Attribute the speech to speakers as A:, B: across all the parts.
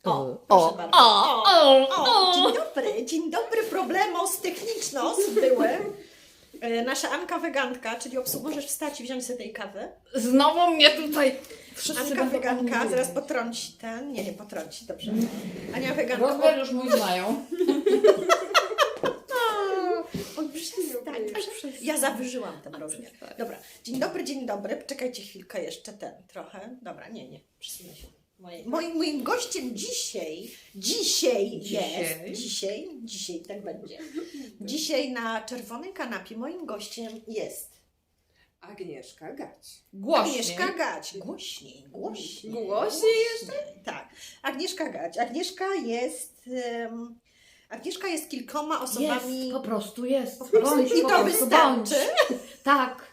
A: O, proszę bardzo. Dzień dobry, problemos technicznos były. Nasza Anka wegantka, czyli możesz wstać i wziąć sobie tej kawy.
B: Znowu mnie tutaj wszyscy
A: Anka
B: będą
A: weganka,
B: omówieni.
A: zaraz potrąci ten. Nie potrąci, dobrze. Ania weganka.
B: Rozmiar już mój znają.
A: Oj, przestań. Ja zawyżyłam ten rozmiar. Dobra, dzień dobry. Czekajcie chwilkę jeszcze trochę. Dobra, nie, przesunę się. Moim gościem dzisiaj tak będzie. Dzisiaj na czerwonej kanapie moim gościem jest
C: Agnieszka Gać.
B: Głośniej.
A: Agnieszka Gać. Głośniej.
C: Głośniej jeszcze?
A: Tak. Agnieszka Gać. Agnieszka jest kilkoma osobami.
B: Jest, po prostu jest.
A: Po prostu.
B: Bądź,
A: I
B: po
A: to
B: prostu
A: wystarczy.
B: Bądź. Tak.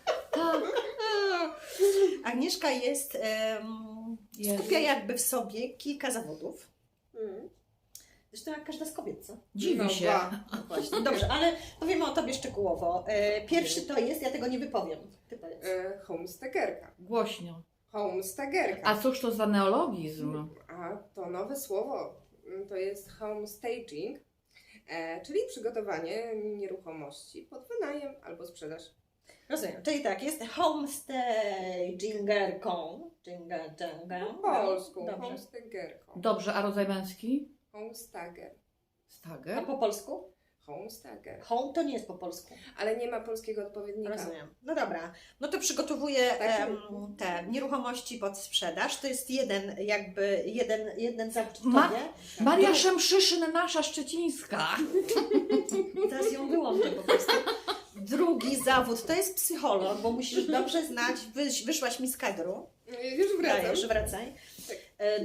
A: Agnieszka skupia jakby w sobie kilka zawodów. Zresztą jak każda z kobiet, co?
B: Dziwi się.
A: No właśnie, dobrze, ale powiemy o tobie szczegółowo. Pierwszy to jest, ja tego nie wypowiem. Ty powiedz.
C: Homestagerka.
B: Głośno.
C: Homestagerka.
B: A cóż to za neologizm?
C: A to nowe słowo. To jest homestaging, czyli przygotowanie nieruchomości pod wynajem albo sprzedaż.
A: Rozumiem, czyli tak, jest homestagingerką.
C: Po polsku.
A: Dobrze.
C: Homestagerką.
B: Dobrze, a rodzaj męski?
C: Homestager.
A: A
B: Stager?
A: po polsku?
C: Homestager.
A: Home to nie jest po polsku.
C: Ale nie ma polskiego odpowiednika.
A: Rozumiem. No dobra. No to przygotowuję
C: Tak.
A: te nieruchomości pod sprzedaż. To jest jeden zawód w
B: Ma-
A: tobie.
B: Maria Szemszyszyn, nasza szczecińska.
A: Teraz ją wyłączę po prostu. Drugi zawód to jest psycholog, bo musisz dobrze znać, wyszłaś mi z kadru.
C: Już wracam.
A: Dajesz, wracaj.
C: Tak.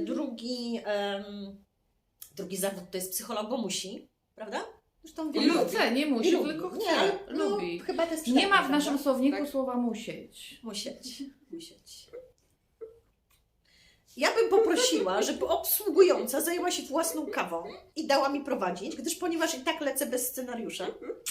A: Drugi zawód to jest psycholog, bo musi, prawda? Zresztą
B: Nie
A: wielu
B: chce, nie musi,
A: lubi.
B: tylko
A: Nie,
B: chce.
A: ale
B: Lubi.
A: chyba to jest
B: Nie ma w
A: przydatne,
B: naszym
A: prawda?
B: słowniku
C: Tak.
B: słowa musieć.
A: Musieć. Ja bym poprosiła, żeby obsługująca zajęła się własną kawą i dała mi prowadzić, ponieważ i tak lecę bez scenariusza.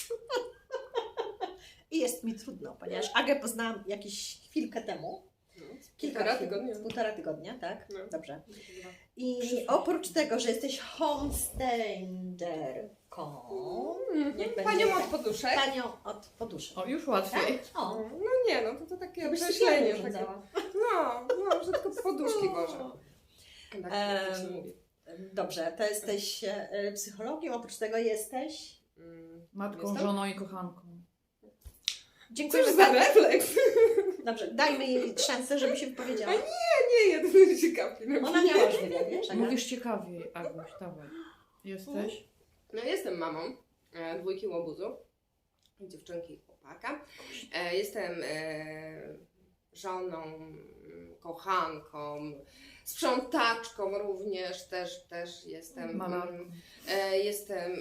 A: I jest mi trudno, ponieważ Agę poznałam jakieś chwilkę temu.
C: Półtora tygodnia.
A: Półtora tygodnia, tak?
C: No.
A: Dobrze. I oprócz tego, że jesteś homestagerką, niech będzie
C: Panią
A: tak.
C: od poduszek.
A: Panią od poduszek.
B: O, już łatwiej.
A: O,
C: No nie, no to takie
A: jakbyś
C: określenie.
A: sypialnię
C: Takie,
A: urządzała.
C: no, że tylko poduszki gorzej. Tak się
A: Em,
C: mówi.
A: Dobrze, to jesteś psychologiem, oprócz tego jesteś...
B: Matką,
C: Jestem?
B: żoną i kochanką.
A: Dziękuję
C: Cóż za
A: bardzo.
C: refleks.
A: Dobrze, dajmy jej szansę, żeby się wypowiedziała.
C: Nie, jeden się kapi.
A: Ona miała już wywiad, wiesz? Aga?
B: Mówisz ciekawiej, Aguś, dawaj. Jesteś?
C: No jestem mamą dwójki łobuzów, dziewczynki i chłopaka. Jestem żoną, kochanką, sprzątaczką również, też jestem.
B: Malarką.
C: Jestem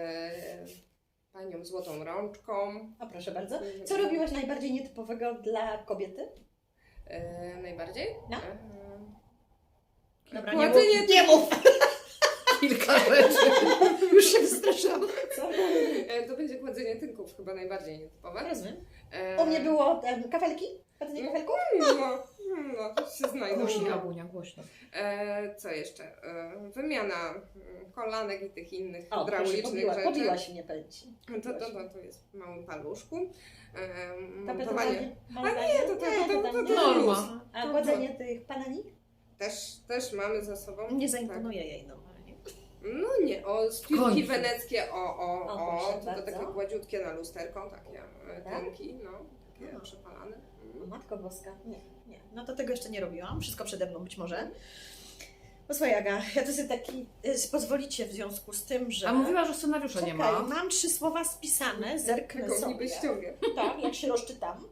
C: panią złotą rączką.
A: O, proszę bardzo. Co robiłaś najbardziej nietypowego dla kobiety?
C: Najbardziej?
A: No. Dobra,
C: Kładzenie
A: nie mów.
B: Kilka rzeczy.
A: Już się wystraszyłam. Co?
C: To będzie kładzenie tynków, chyba najbardziej nietypowe.
A: Rozumiem. U mnie było kafelki? Kładzenie kafelków?
C: No, to się znajdą.
B: Głośniej, Agunia, głośno.
C: Co jeszcze? Wymiana kolanek i tych innych
A: O, proszę,
C: hydraulicznych rzeczy.
A: pobiłaś mnie, powiem ci.
C: To jest w małym paluszku.
A: Tapetowanie?
C: A nie, to
A: tam nie.
B: norma.
A: A kładzenie tych panani?
C: Też mamy za sobą.
A: Nie zaimponuje jej normalnie.
C: No nie, z
B: końcu.
C: piłki weneckie,
A: proszę
C: tylko
A: bardzo.
C: takie gładziutkie na lusterką, takie
A: Tak?
C: tynki, no, takie
A: No.
C: przepalane.
A: O, Matko Boska. Nie. No to tego jeszcze nie robiłam. Wszystko przede mną być może. Posłuchaj, Aga, ja to sobie pozwolicie w związku z tym, że...
B: A mówiła, że scenariusza nie ma.
A: Mam 3 słowa spisane, zerknę
C: Taką
A: sobie.
C: niby ściągę.
A: Tak, jak się rozczytam.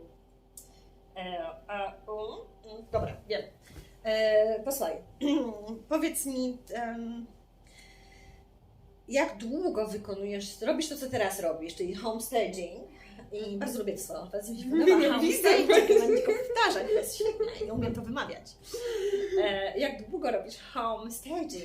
A: Dobra, wiem. Posłuchaj, powiedz mi, jak długo robisz to, co teraz robisz, czyli homestaging. I bardzo lubię to słowo, bardzo mi się podoba. Homestaging, nie będę go powtarzać, to jest świetne, nie umiem to wymawiać. Jak długo robisz homestaging?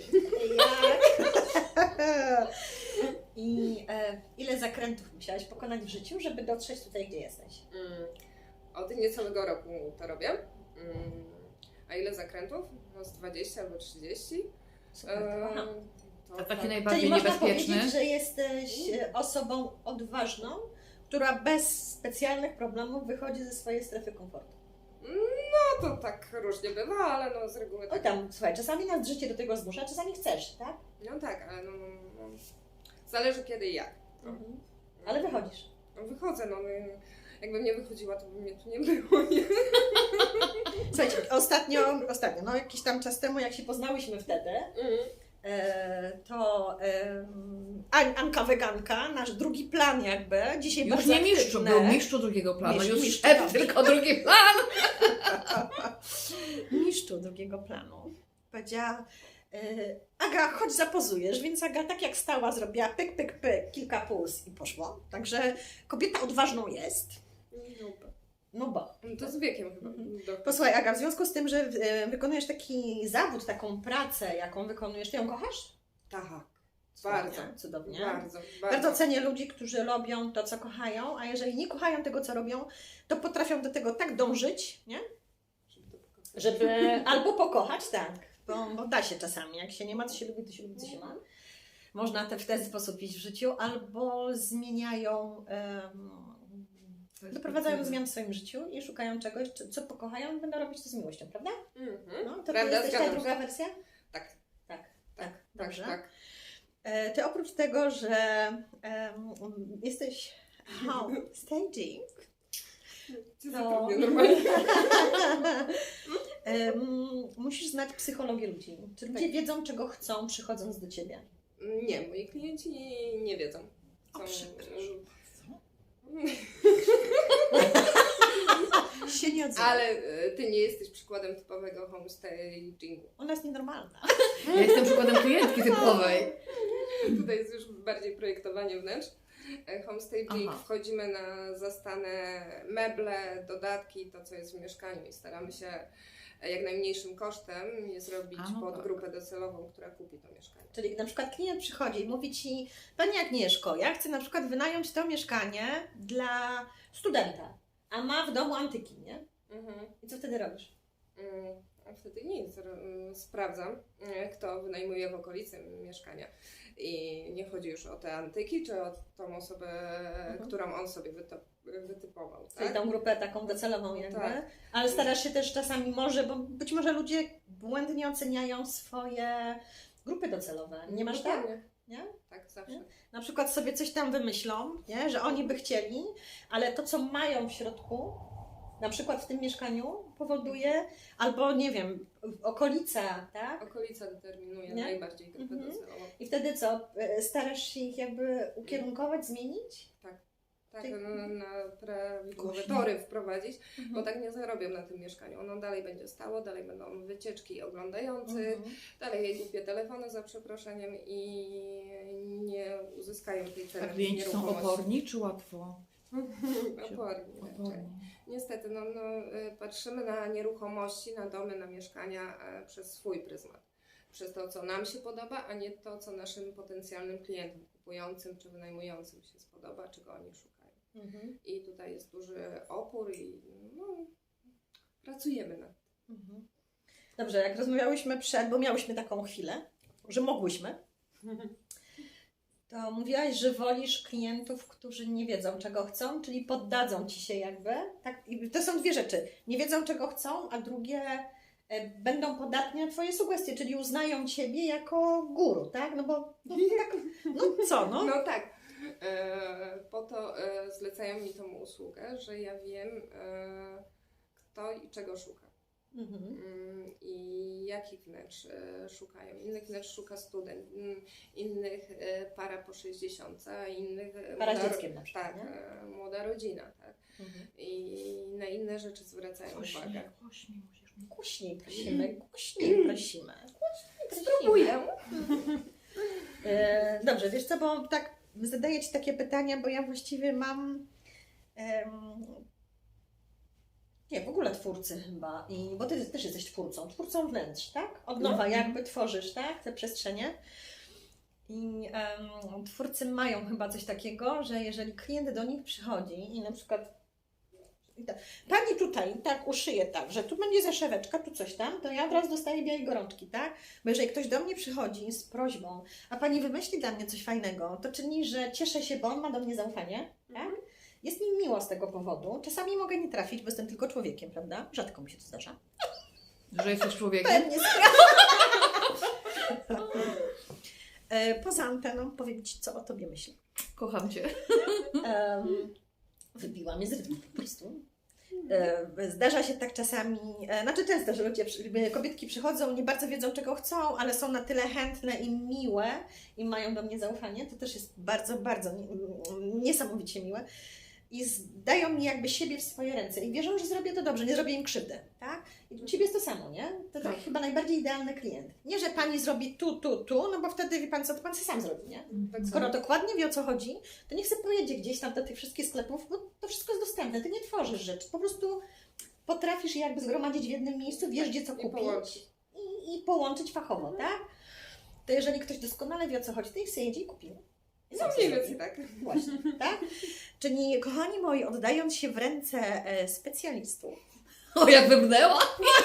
A: I ile zakrętów musiałaś pokonać w życiu, żeby dotrzeć tutaj, gdzie jesteś?
C: Od niecałego roku to robię. A ile zakrętów? No z 20 albo 30.
A: Super, to kocham.
C: To
B: A taki
C: tak.
B: najbardziej
A: Czyli można
B: niebezpieczny?
A: powiedzieć, że jesteś osobą odważną, która bez specjalnych problemów wychodzi ze swojej strefy komfortu.
C: No to tak różnie bywa, ale no z reguły
A: Oj
C: tak.
A: tam, słuchaj, czasami nas życie do tego zmusza, czasami chcesz, tak?
C: No tak, ale no. Zależy kiedy i jak. No.
A: Ale wychodzisz.
C: No, wychodzę, no. Jakbym nie wychodziła, to by mnie tu nie było, nie?
A: Słuchajcie, ostatnio, no jakiś tam czas temu, jak się poznałyśmy wtedy, to Anka weganka, nasz drugi plan jakby, dzisiaj
B: Już
A: bardzo
B: nie mistrzu,
A: aktywne.
B: był mistrzu drugiego planu, już
A: Mistrzu,
B: szef,
A: dobrze.
B: tylko drugi plan.
A: Mistrzu drugiego planu. Powiedziała, Aga, chodź zapozujesz, więc Aga tak jak stała zrobiła pyk, pyk, pyk, kilka puls i poszło. Także kobieta odważną jest. No bo.
C: No to z wiekiem chyba.
A: Posłuchaj Aga, w związku z tym, że wykonujesz taki zawód, taką pracę, jaką wykonujesz, ty ją kochasz?
C: Tak, bardzo.
A: Cudownie.
C: Bardzo.
A: Cenię ludzi, którzy robią to, co kochają, a jeżeli nie kochają tego, co robią, to potrafią do tego tak dążyć, nie? Żeby albo pokochać, tak, bo da się czasami, jak się nie ma, co się lubi, to się lubi, co się ma. Można w ten sposób iść w życiu, albo zmieniają, doprowadzają do zmian w swoim życiu i szukają czegoś, co pokochają i będą robić to z miłością, prawda? No, to ty
C: Prawda,
A: jesteś ta
C: zgadzam
A: druga
C: się.
A: wersja?
C: Tak,
A: Tak, dobrze.
C: tak.
A: Ty oprócz tego, że jesteś staging, to
C: Normalnie.
A: musisz znać psychologię ludzi. Czy ludzie wiedzą, czego chcą, przychodząc do Ciebie?
C: Nie, moi klienci nie wiedzą.
A: O, przepraszam. Się nie odzywa.
C: Ale ty nie jesteś przykładem typowego homestagingu.
A: Ona jest nienormalna.
B: Ja jestem przykładem klientki typowej.
C: Tutaj jest już bardziej projektowanie wnętrz. Homestaging
B: Aha.
C: wchodzimy na zastane meble, dodatki, to co jest w mieszkaniu i staramy się jak najmniejszym kosztem je zrobić
B: A, no
C: pod
B: tak.
C: grupę docelową, która kupi to mieszkanie.
A: Czyli na przykład klient przychodzi i mówi Ci, Pani Agnieszko, ja chcę na przykład wynająć to mieszkanie dla studenta, a ma w domu antyki, nie? I co wtedy robisz?
C: A wtedy nic, sprawdzam, kto wynajmuje w okolicy mieszkania. I nie chodzi już o te antyki, czy o tą osobę, którą on sobie wytypował.
A: Czyli
C: Tak?
A: tą grupę taką docelową jakby,
C: Tak.
A: ale starasz się też czasami bo być może ludzie błędnie oceniają swoje grupy docelowe. Nie masz tak?
C: Dokładnie.
A: Nie?
C: Tak, zawsze.
A: Nie? Na przykład sobie coś tam wymyślą, nie? Że oni by chcieli, ale to co mają w środku, na przykład w tym mieszkaniu powoduje, albo nie wiem, okolica, tak?
C: Okolica determinuje
A: Nie?
C: najbardziej grupę docelową.
A: I wtedy co? Starasz się ich jakby ukierunkować, zmienić?
C: Tak,
A: Ty-
C: na prawidłowe
B: Głośno.
C: tory wprowadzić, bo tak nie zarobią na tym mieszkaniu. Ono dalej będzie stało, dalej będą wycieczki oglądających, dalej jej głupie telefony za przeproszeniem i nie uzyskają tej ceny
B: A klienci są
C: nieruchomości.
B: oporni czy łatwo?
C: Oporni. raczej.
B: Oporni.
C: Niestety, patrzymy na nieruchomości, na domy, na mieszkania przez swój pryzmat. Przez to, co nam się podoba, a nie to, co naszym potencjalnym klientom kupującym czy wynajmującym się spodoba, czego oni szukają. I tutaj jest duży opór i pracujemy nad tym.
A: Dobrze, jak rozmawiałyśmy bo miałyśmy taką chwilę, że mogłyśmy, to mówiłaś, że wolisz klientów, którzy nie wiedzą, czego chcą, czyli poddadzą Ci się jakby. Tak? I to są dwie rzeczy. Nie wiedzą, czego chcą, a drugie będą podatne na Twoje sugestie, czyli uznają Ciebie jako guru, tak? No bo tak, no co, no?
C: No tak. Po to zlecają mi tą usługę, że ja wiem, kto i czego szuka. I jakich wnętrz szukają. Innych wnętrz szuka student, innych para po 60, a innych
A: Para z dzieckiem na przykład,
C: tak,
A: nie?
C: młoda rodzina, tak. I na inne rzeczy zwracają uwagę.
B: Głośniej.
A: Głośniej prosimy.
C: Spróbuję.
A: Dobrze, wiesz co, bo tak zadaję Ci takie pytania, bo ja właściwie mam nie, w ogóle twórcy chyba, bo Ty też jesteś twórcą wnętrz, tak? Od nowa jakby tworzysz, tak? Te przestrzenie. I twórcy mają chyba coś takiego, że jeżeli klient do nich przychodzi i na przykład Pani tutaj tak uszyje tak, że tu będzie zaszeweczka, tu coś tam, to ja od razu dostaję białej gorączki, tak? Bo jeżeli ktoś do mnie przychodzi z prośbą, a pani wymyśli dla mnie coś fajnego, to czyni, że cieszę się, bo on ma do mnie zaufanie, tak? Jest mi miło z tego powodu. Czasami mogę nie trafić, bo jestem tylko człowiekiem, prawda? Rzadko mi się to zdarza.
B: Że jesteś człowiekiem?
A: Pewnie Poza anteną powiem Ci, co o Tobie myślę.
B: Kocham Cię.
A: Wybiła mnie z rytmu po prostu. Zdarza się tak czasami, znaczy często, że kobietki przychodzą, nie bardzo wiedzą czego chcą, ale są na tyle chętne i miłe i mają do mnie zaufanie. To też jest bardzo, bardzo niesamowicie miłe. I dają mi jakby siebie w swoje ręce i wierzą, że zrobię to dobrze, nie zrobię im krzywdy, tak? I u Ciebie jest to samo, nie? To tak chyba najbardziej idealny klient. Nie, że Pani zrobi tu, no bo wtedy wie Pan co, to Pan sam zrobi, nie? Skoro dokładnie wie o co chodzi, to niech sobie pojedzie gdzieś tam do tych wszystkich sklepów, bo to wszystko jest dostępne, Ty nie tworzysz rzeczy, po prostu potrafisz je jakby zgromadzić w jednym miejscu, wiesz gdzie co kupić i połączyć fachowo, tak? To jeżeli ktoś doskonale wie o co chodzi, to niech sobie jedzie i kupi.
C: No mniej więcej tak.
A: Właśnie, tak? Czyli kochani moi, oddając się w ręce specjalistów
B: O, jak wybrnęła!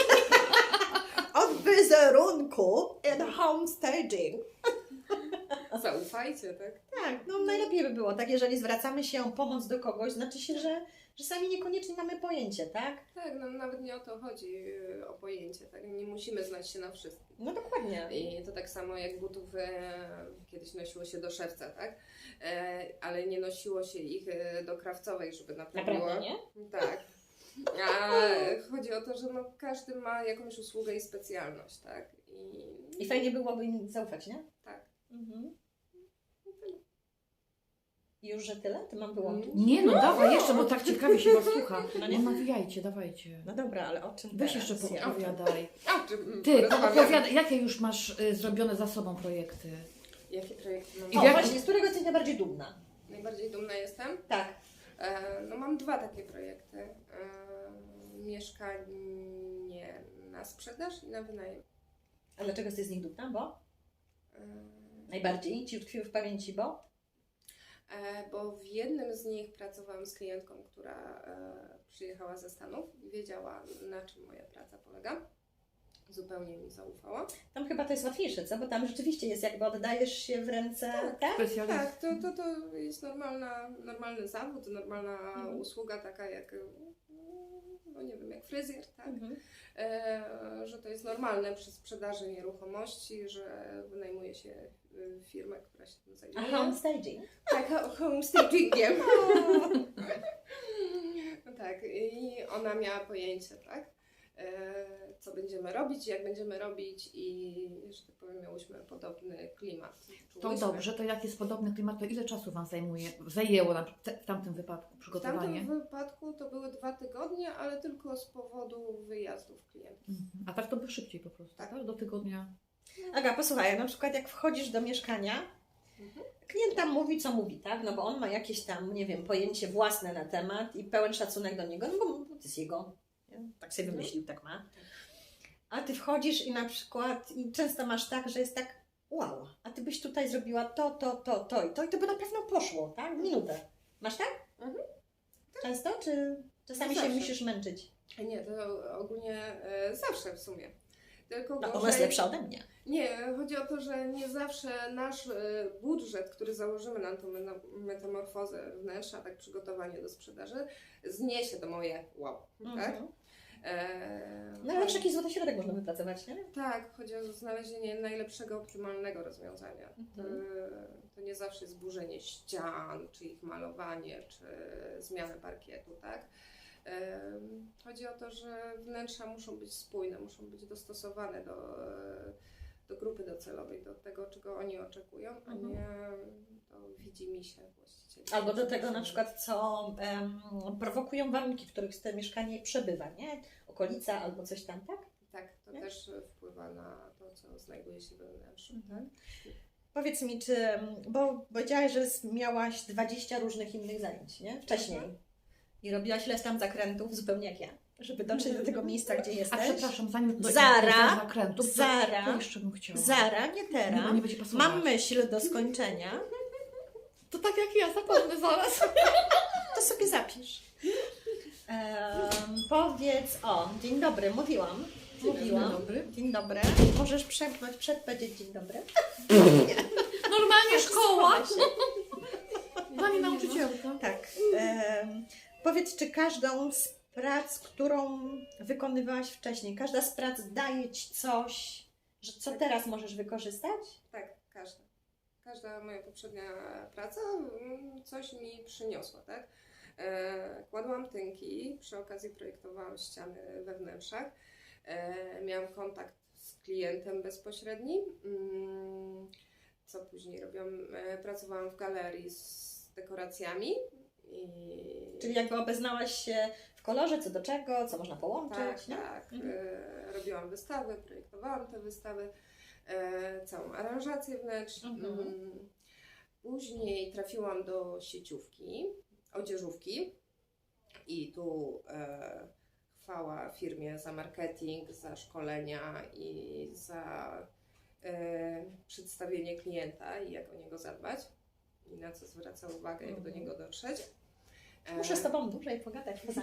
A: od wizerunku and homestaging.
C: Zaufajcie, tak?
A: Tak, no najlepiej by było, tak, jeżeli zwracamy się o pomoc do kogoś, znaczy się, że sami niekoniecznie mamy pojęcie, tak?
C: Tak, no nawet nie o to chodzi, o pojęcie, tak? Nie musimy znać się na wszystkim.
A: No dokładnie.
C: I to tak samo jak butów kiedyś nosiło się do szewca, tak? Ale nie nosiło się ich do krawcowej, żeby naprawiło.
A: Naprawdę, nie?
C: Tak. A chodzi o to, że no, każdy ma jakąś usługę i specjalność, tak?
A: I fajnie byłoby im zaufać, nie?
C: Tak.
A: Mhm. Już, że tyle? To mam wyłączyć?
B: Nie no, dawaj jeszcze, bo tak ciekawie się Was słucha.
A: No
B: No
A: nie?
B: nie nawijajcie, dawajcie.
A: No dobra, ale o czym
B: Weź
A: teraz?
B: jeszcze
A: Ja-
B: poopowiadaj.
C: A, czy
B: Ty,
C: porozmawiamy?
B: opowiadaj, jakie już masz zrobione za sobą projekty?
C: Jakie projekty mam?
B: I
A: O,
B: jak-
A: właśnie, z którego jesteś najbardziej dumna?
C: Najbardziej dumna jestem?
A: Tak.
C: No mam dwa takie projekty. Mieszkanie na sprzedaż i na wynajem.
A: A dlaczego jesteś z nich dumna? Bo?
C: E,
A: Najbardziej Ci utkwiły w pamięci, bo?
C: Bo w jednym z nich pracowałam z klientką, która przyjechała ze Stanów i wiedziała, na czym moja praca polega. Zupełnie mi zaufała.
A: Tam chyba to jest łatwiejsze, co? Bo tam rzeczywiście jest jakby oddajesz się w ręce, tak?
B: Specjalist.
C: Tak, to jest normalny zawód, normalna usługa taka jak, no nie wiem, jak fryzjer, tak?
A: Mhm.
C: Że to jest normalne przy sprzedaży nieruchomości, że wynajmuje się firmę, która się tym
A: A
C: zajmuje.
A: homestaging?
C: Tak, homestagingiem. Tak, i ona miała pojęcie, tak? Co będziemy robić, jak będziemy robić i, że tak powiem, miałyśmy podobny klimat.
B: To
C: Czułyśmy.
B: dobrze, to jak jest podobny klimat, to ile czasu Wam zajęło w tamtym wypadku
C: W
B: przygotowanie?
C: tamtym wypadku to były 2 tygodnie, ale tylko z powodu wyjazdów klientów.
B: Mhm. A tak to by szybciej po prostu,
C: Tak.
B: tak? Do tygodnia.
A: Aga, posłuchaj, na przykład jak wchodzisz do mieszkania, klient tam mówi, co mówi, tak? No bo on ma jakieś tam, nie wiem, pojęcie własne na temat i pełen szacunek do niego, no bo to jest jego, nie? Tak sobie wymyślił, tak ma. A ty wchodzisz i na przykład, i często masz tak, że jest tak, wow, a ty byś tutaj zrobiła to i to by na pewno poszło, tak? Minutę. Masz tak?
C: Mhm.
A: Często, czy czasami się
C: Zawsze.
A: musisz męczyć?
C: Nie, to ogólnie zawsze w sumie. Tylko
A: No, ona
C: gorzej-
A: jest lepsza ode mnie.
C: Nie, chodzi o to, że nie zawsze nasz budżet, który założymy na tą metamorfozę wnętrza, tak przygotowanie do sprzedaży, zniesie to moje wow, tak?
A: Mhm. No ale jakiś złoty środek można wypracować, nie?
C: Tak, chodzi o znalezienie najlepszego, optymalnego rozwiązania. To nie zawsze jest burzenie ścian, czy ich malowanie, czy zmiana parkietu, tak? Chodzi o to, że wnętrza muszą być spójne, muszą być dostosowane do grupy docelowej, do tego, czego oni oczekują, a nie do widzimisię właścicieli.
A: Albo do tego na przykład, co prowokują warunki, w których to mieszkanie przebywa, nie? Okolica albo coś tam, tak?
C: Tak, to
A: Nie?
C: też wpływa na to, co znajduje się we wnętrzu. Tak?
A: Powiedz mi, czy, bo powiedziałaś, że miałaś 20 różnych innych zajęć, nie? Wcześniej. I robiłaś ileś tam zakrętów, zupełnie jak ja, żeby dotrzeć do tego miejsca, gdzie
B: A
A: jesteś.
B: przepraszam, zanim do
A: Zara,
B: zakrętów,
A: Zara,
B: to jeszcze bym chciała.
A: Zara, nie
B: Nie,
A: teraz.
B: bo nie będzie pasować.
A: Mam myśl do skończenia,
B: To tak jak ja, zapomnę zaraz.
A: to sobie zapisz. Powiedz, dzień dobry, mówiłam.
B: Dzień dobry.
A: Dzień dobry. Możesz przemknąć przed, powiedzieć dzień dobry.
B: Normalnie szkoła. Pani nauczycielka.
A: Tak. Powiedz, czy każdą z prac, którą wykonywałaś wcześniej, każda z prac daje Ci coś, że co teraz możesz wykorzystać?
C: Tak, każda moja poprzednia praca coś mi przyniosła, tak? Kładłam tynki, przy okazji projektowałam ściany we wnętrzach, miałam kontakt z klientem bezpośredni. Co później robiłam? Pracowałam w galerii z dekoracjami.
A: Czyli jakby obeznałaś się w kolorze, co do czego, co można połączyć,
C: Tak,
A: nie?
C: tak. Robiłam wystawy, projektowałam te wystawy, całą aranżację wnętrz. Później trafiłam do sieciówki, odzieżówki i tu chwała firmie za marketing, za szkolenia i za przedstawienie klienta i jak o niego zadbać i na co zwraca uwagę, jak do niego dotrzeć.
A: Muszę z Tobą dłużej pogadać poza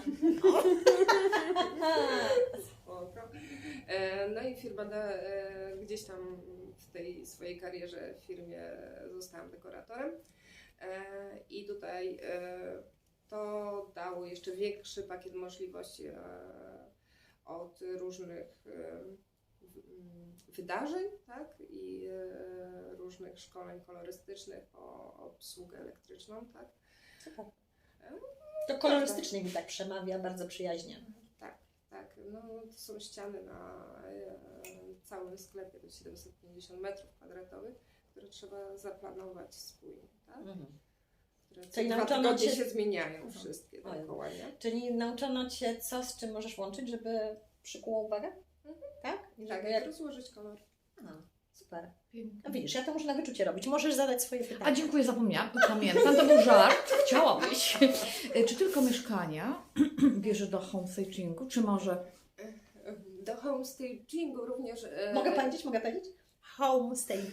C: Spoko. No i firma gdzieś tam w tej swojej karierze w firmie zostałam dekoratorem i tutaj to dało jeszcze większy pakiet możliwości od różnych wydarzeń, tak? I różnych szkoleń kolorystycznych o obsługę elektryczną, tak?
A: Super. To kolorystycznie mi tak przemawia, bardzo przyjaźnie.
C: Tak, no to są ściany na całym sklepie, to 750 m2, które trzeba zaplanować spójnie, tak? Które
A: Czyli
C: co 2
A: nauczono
C: tygodnie
A: Cię-
C: się zmieniają wszystkie dookoła, nie?
A: Czyli nauczono Cię, co z czym możesz łączyć, żeby przykuło uwagę? Tak? I
C: Tak,
A: żeby
C: jak rozłożyć kolor.
A: Super.
B: Pięknie.
A: No widzisz, ja to muszę na wyczucie robić. Możesz zadać swoje pytania.
B: A dziękuję, zapomniałam. Pamiętam, to był żart. Chciałabyś. Czy tylko mieszkania bierzesz do home stagingu, czy może...
C: Do home stagingu również...
A: Mogę powiedzieć? Home staging.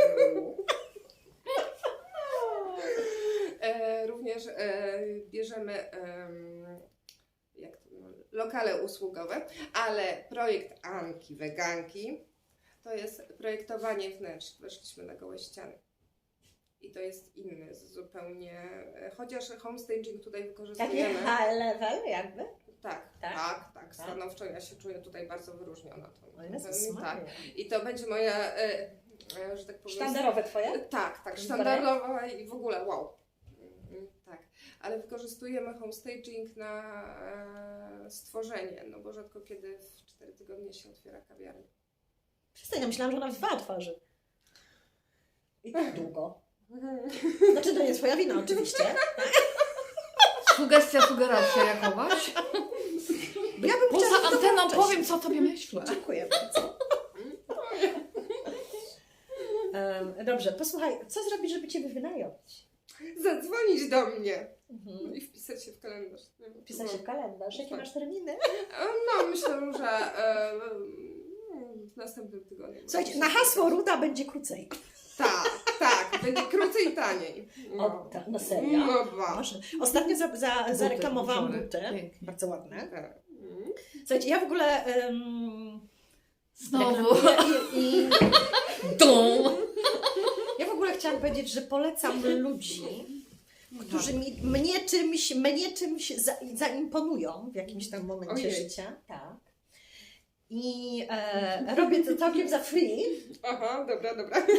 C: Również bierzemy lokale usługowe, ale projekt Anki Weganki to jest projektowanie wnętrz. Weszliśmy na gołe ściany. I to jest inny zupełnie, chociaż homestaging tutaj
A: Taki
C: wykorzystujemy.
A: high level jakby?
C: Tak. Stanowczo ja się czuję tutaj bardzo wyróżniona.
A: O Jezus
C: Tak.
A: Maria.
C: I to będzie moja, że tak powiem...
A: Sztandarowe Twoje?
C: Tak, sztandarowa i w ogóle wow. Tak, ale wykorzystujemy homestaging na stworzenie, no bo rzadko kiedy w 4 tygodnie się otwiera kawiarnia.
A: Przestań, ja myślałam, że ona w 2 otworzy. I tak długo. Znaczy, to nie Twoja wina oczywiście.
B: Sugeracja jakowaś?
A: Bo ja bym
B: Poza
A: chciała
B: anteną
A: dołączyć.
B: powiem, co tobie myślę.
A: Dziękuję bardzo. Dobrze, posłuchaj, co zrobić, żeby Ciebie wynająć?
C: Zadzwonić do mnie i wpisać się w kalendarz.
A: Wpisać się w kalendarz. Jakie masz terminy?
C: No, myślę, że w następnym tygodniu.
A: Słuchajcie, na hasło Ruda będzie krócej.
C: Tak, będzie krócej i taniej.
A: No serio?
C: No ba.
A: Może. Ostatnio zareklamowałam buty.
B: Pięknie.
A: Bardzo ładne.
C: Tak.
A: Słuchajcie, ja w ogóle...
B: Znowu.
A: I
B: Dum.
A: ja w ogóle chciałam powiedzieć, że polecam ludzi, którzy mnie czymś zaimponują w jakimś tam momencie
C: Ojej.
A: życia. Tak. I robię to całkiem za free.
C: Aha, dobra.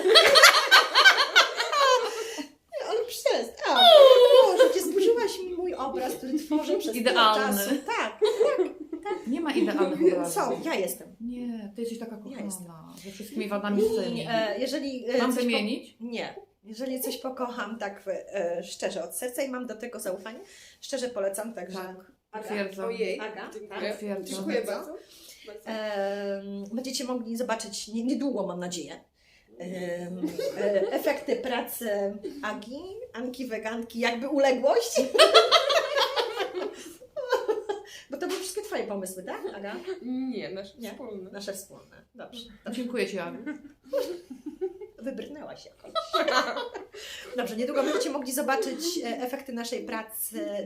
A: Ale przestań. Boże, Cię zburzyłaś mi mój obraz, który tworzę przez tyle
B: Idealny.
A: czasu. Tak.
B: Nie ma idealnych obrazów.
A: Są, ja jestem.
B: Nie, ty jesteś taka kochana.
A: jestem.
B: Ze wszystkimi wadami sceny.
A: Jeżeli
B: Mam
A: coś
B: wymienić?
A: Nie. Jeżeli coś pokocham tak szczerze od serca i mam do tego zaufanie, szczerze polecam, także...
B: Tak,
A: Aga.
B: potwierdzam.
C: Ojej,
A: Aga,
C: dziękuję.
B: Potwierdzam.
C: Dziękuję bardzo.
A: Będziecie mogli zobaczyć niedługo, mam nadzieję, efekty pracy Agi, Anki Weganki, jakby uległość. Bo to były wszystkie Twoje pomysły, tak, Aga?
C: Nie, nasze
A: Nie?
C: wspólne.
A: Nasze wspólne. Dobrze.
B: Dziękuję Ci, Aniu.
A: wybrnęłaś jakoś. Dobrze, niedługo będziecie mogli zobaczyć efekty naszej pracy.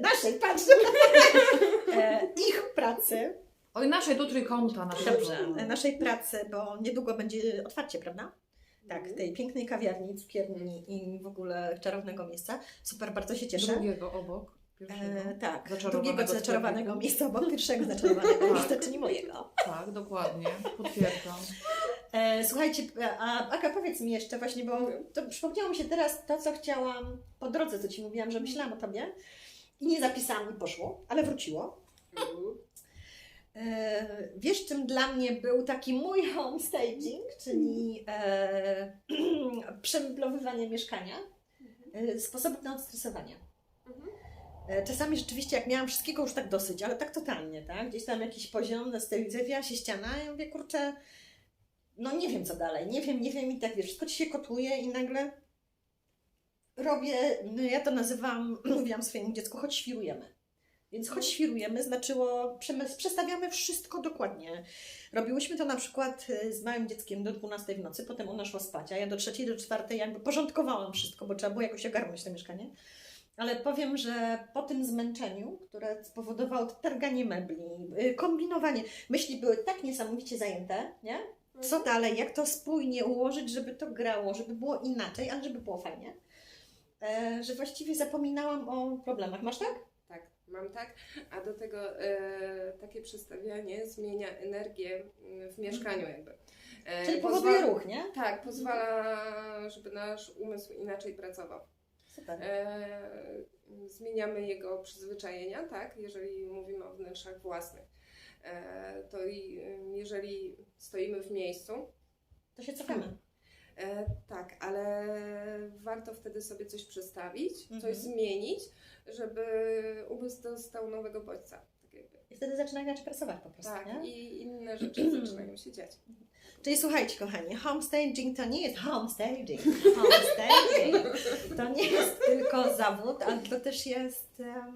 A: Ich pracy.
B: Oj, naszej tu trójkąta.
A: Dobrze, naszej pracy, bo niedługo będzie otwarcie, prawda? Tak, tej pięknej kawiarni, cukierni i w ogóle czarownego miejsca. Super, bardzo się cieszę.
B: Drugiego obok.
A: Tak,
B: Zaczarowanego
A: drugiego zaczarowanego
B: sklepiku.
A: miejsca obok pierwszego zaczarowanego miejsca, czyli mojego.
B: Tak, dokładnie. Potwierdzam.
A: Słuchajcie, Aga, powiedz mi jeszcze właśnie, bo to przypomniało mi się teraz to, co chciałam po drodze, co Ci mówiłam, że myślałam o Tobie i nie zapisałam i poszło, ale wróciło. Wiesz, czym dla mnie był taki mój homestaging, czyli przemeblowywanie mieszkania, sposób na odstresowanie. Czasami rzeczywiście, jak miałam wszystkiego już tak dosyć, ale tak totalnie, tak? Gdzieś tam jakiś poziom, zawijała się ściana i ja mówię, kurczę, no nie wiem co dalej, nie wiem i tak wiesz, wszystko Ci się kotuje i nagle robię, no ja to nazywam, mówiłam swojemu dziecku, choć świrujemy. Więc choć świrujemy znaczyło, przestawiamy wszystko dokładnie. Robiłyśmy to na przykład z małym dzieckiem do 12 w nocy, potem ona szła spać, a ja do 3, do 4 jakby porządkowałam wszystko, bo trzeba było jakoś ogarnąć to mieszkanie. Ale powiem, że po tym zmęczeniu, które spowodowało targanie mebli, kombinowanie, myśli były tak niesamowicie zajęte, nie? Co dalej, jak to spójnie ułożyć, żeby to grało, żeby było inaczej, ale żeby było fajnie, że właściwie zapominałam o problemach. Masz tak?
C: Tak, mam tak, a do tego takie przestawianie zmienia energię w mieszkaniu jakby.
A: Czyli powoduje ruch, nie?
C: Tak, pozwala, żeby nasz umysł inaczej pracował.
A: Super.
C: Zmieniamy jego przyzwyczajenia, tak, jeżeli mówimy o wnętrzach własnych. To jeżeli stoimy w miejscu,
A: To się cofamy.
C: tak, ale warto wtedy sobie coś przestawić, coś zmienić, żeby umysł dostał nowego bodźca. Tak jakby.
A: I wtedy zaczyna inaczej pracować po prostu,
C: Tak,
A: nie?
C: i inne rzeczy zaczynają się dziać.
A: Czyli słuchajcie, kochani, homestaging to nie jest homestaging. Homestaging to nie jest tylko zawód, ale to też jest...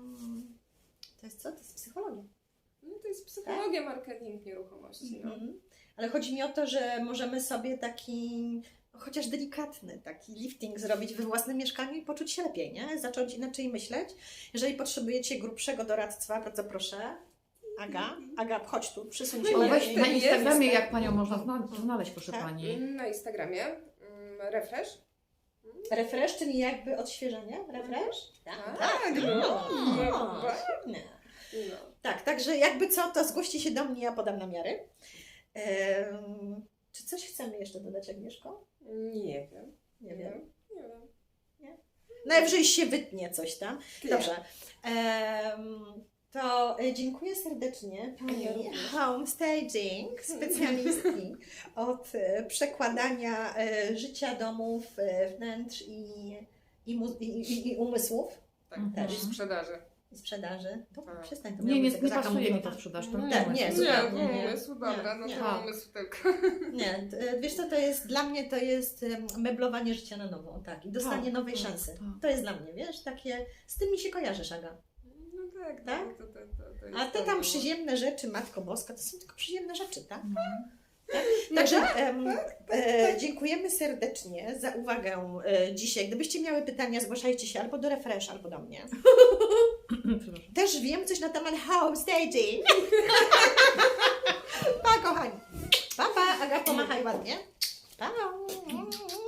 A: to jest co? To jest psychologia.
C: No to jest psychologia, marketing nieruchomości. No.
A: Ale chodzi mi o to, że możemy sobie taki, chociaż delikatny, taki lifting zrobić we własnym mieszkaniu i poczuć się lepiej, nie? Zacząć inaczej myśleć. Jeżeli potrzebujecie grubszego doradztwa, bardzo proszę. Aga, chodź tu, przysuń się.
B: O, weź
A: lepiej.
B: na Instagramie, jak Panią można znaleźć, proszę
A: Tak.
B: Pani.
C: Na Instagramie refresh.
A: Refresh, czyli jakby odświeżenie? Refresh?
C: Tak,
A: Świetnie.
C: No.
A: Tak, także jakby co, to zgłoście się do mnie, ja podam namiary. Czy coś chcemy jeszcze dodać, Agnieszko?
C: Nie wiem.
A: Nie wiem.
C: Nie wiem.
A: Najwyżej się wytnie coś tam. Dobrze. To dziękuję serdecznie Pani homestaging, specjalistki od przekładania życia domów, wnętrz i umysłów
C: Tak,
B: Mhm.
C: i sprzedaży.
A: i sprzedaży. Dobra,
C: Tak.
A: przestań to.
B: Nie pasuje mi to sprzedaż. To
A: Tak, nie,
B: umysł.
A: zupełnie nie.
C: umysł, dobra, no
A: Nie.
C: to umysł tylko.
A: Nie, wiesz co, to jest, dla mnie to jest meblowanie życia na nowo, tak, i dostanie
B: Tak,
A: nowej
B: tak,
A: szansy.
B: tak.
A: To jest dla mnie, wiesz, takie, z tym mi się kojarzysz, Aga.
C: No tak,
A: Tak?
C: to
A: A
C: jest
A: te
C: to,
A: tam
C: no.
A: przyziemne rzeczy, Matko Boska, to są tylko przyziemne rzeczy, tak?
B: No.
A: Także dziękujemy serdecznie za uwagę dzisiaj. Gdybyście miały pytania, zgłaszajcie się albo do Refresh, albo do mnie.
B: Przepraszam.
A: Też wiem coś na temat homestaging. Pa, kochani. Pa, pa. Aga, pomachaj ładnie. Pa.